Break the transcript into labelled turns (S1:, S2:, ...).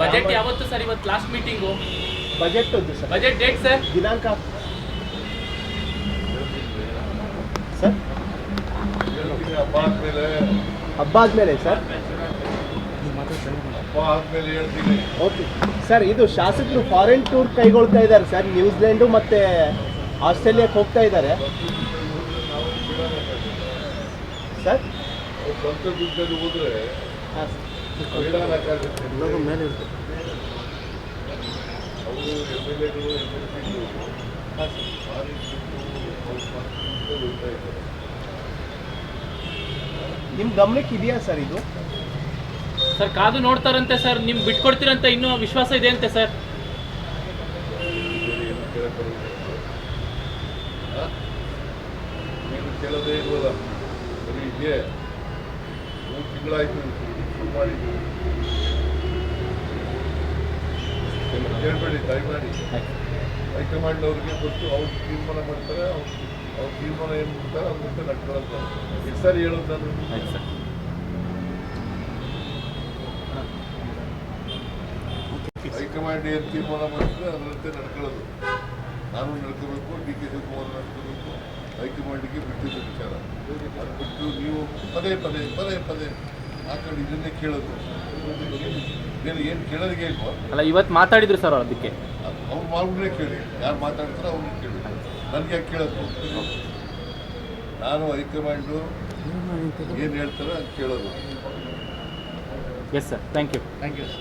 S1: Budget ಯಾವತ್ತು sir? ಇವತ್ತು last meeting.
S2: Budget sir.
S1: Budget date sir?
S2: ದಿನಾಂಕ ಸರ್ ಹಬ್ಬ ಆದ್ಮೇಲೆ ಸರ್. ಓಕೆ ಸರ್, ಇದು ಶಾಸಕರು ಫಾರಿನ್ ಟೂರ್ ಕೈಗೊಳ್ತಾ ಇದ್ದಾರೆ ಸರ್. ನ್ಯೂಜಿಲೆಂಡು ಮತ್ತು ಆಸ್ಟ್ರೇಲಿಯಾಕ್ಕೆ ಹೋಗ್ತಾ ಇದ್ದಾರೆ ಸರ್.
S3: ಹೋದ್ರೆ
S2: ಹಾಂ ಮೇಲೆ ಇರುತ್ತೆ. ನಿಮ್ಮ ಗಮನಕ್ಕೆ ಇದೆಯಾ ಸರ್ ಇದು?
S1: ಸರ್ ಕಾದು ನೋಡ್ತಾರಂತೆ ಸರ್. ನಿಮ್ಗೆ ಬಿಟ್ಕೊಡ್ತೀರಂತ ಇನ್ನೂ ವಿಶ್ವಾಸ ಇದೆ ಅಂತೆ ಸರ್.
S3: ಕೇಳೋದೇ ಇಲ್ವಲ್ಲ, ಬರೀ ಇದೆ. 3 ತಿಂಗಳಾಯ್ತು ಶುರು ಮಾಡಿದ್ದು. ಕೇಳಬೇಡಿ, ದಯಮಾಡಿ ಹೈಕಮಾಂಡ್ ಅವ್ರಿಗೆ ಗೊತ್ತು. ಅವ್ರು ತೀರ್ಮಾನ ಮಾಡ್ತಾರೆ. ಅವ್ರ ತೀರ್ಮಾನ ಏನು ಮಾಡ್ತಾರೆ ಅದಂತೆ ನಡ್ಕೊಳ್ಳೋದು. ಎಷ್ಟು ಸಾರಿ ಹೇಳೋದು ನಾನು? ಹೈಕಮಾಂಡ್ ಏನು ತೀರ್ಮಾನ ಮಾಡ್ತಾರೆ ಅದರಂತೆ ನಡ್ಕೊಳ್ಳೋದು. ನಾನು ನಡ್ಕೋಬೇಕು, ಡಿ ಕೆ ಶಿವಕುಮಾರ್ ನಡ್ಕೋಬೇಕು. ಹೈಕಮಾಂಡಿಗೆ ಬಿಟ್ಟಿದ್ದು ವಿಚಾರ. ಅದು ಬಿಟ್ಟು ನೀವು ಪದೇ ಪದೇ ಪದೇ ಪದೇ ಆ ಕಡೆ ಇದನ್ನೇ ಕೇಳೋದು. ಏನು ಕೇಳೋದಿಗೆ ಇಲ್ವಾ?
S1: ಅಲ್ಲ, ಇವತ್ತು ಮಾತಾಡಿದ್ರು ಸರ್ ಅದಕ್ಕೆ.
S3: ಅವ್ರು ಮಾರ್ಗನೇ ಕೇಳಿ, ಯಾರು ಮಾತಾಡ್ತಾರೋ ಅವ್ರನ್ನ ಕೇಳಿ. ನನಗೆ ಯಾಕೆ ಕೇಳೋದು? ನಾನು ಹೈಕಮಾಂಡು ಏನು ಹೇಳ್ತಾರೆ ಅದು ಕೇಳೋದು.
S1: Yes sir, thank you.
S2: Thank you sir.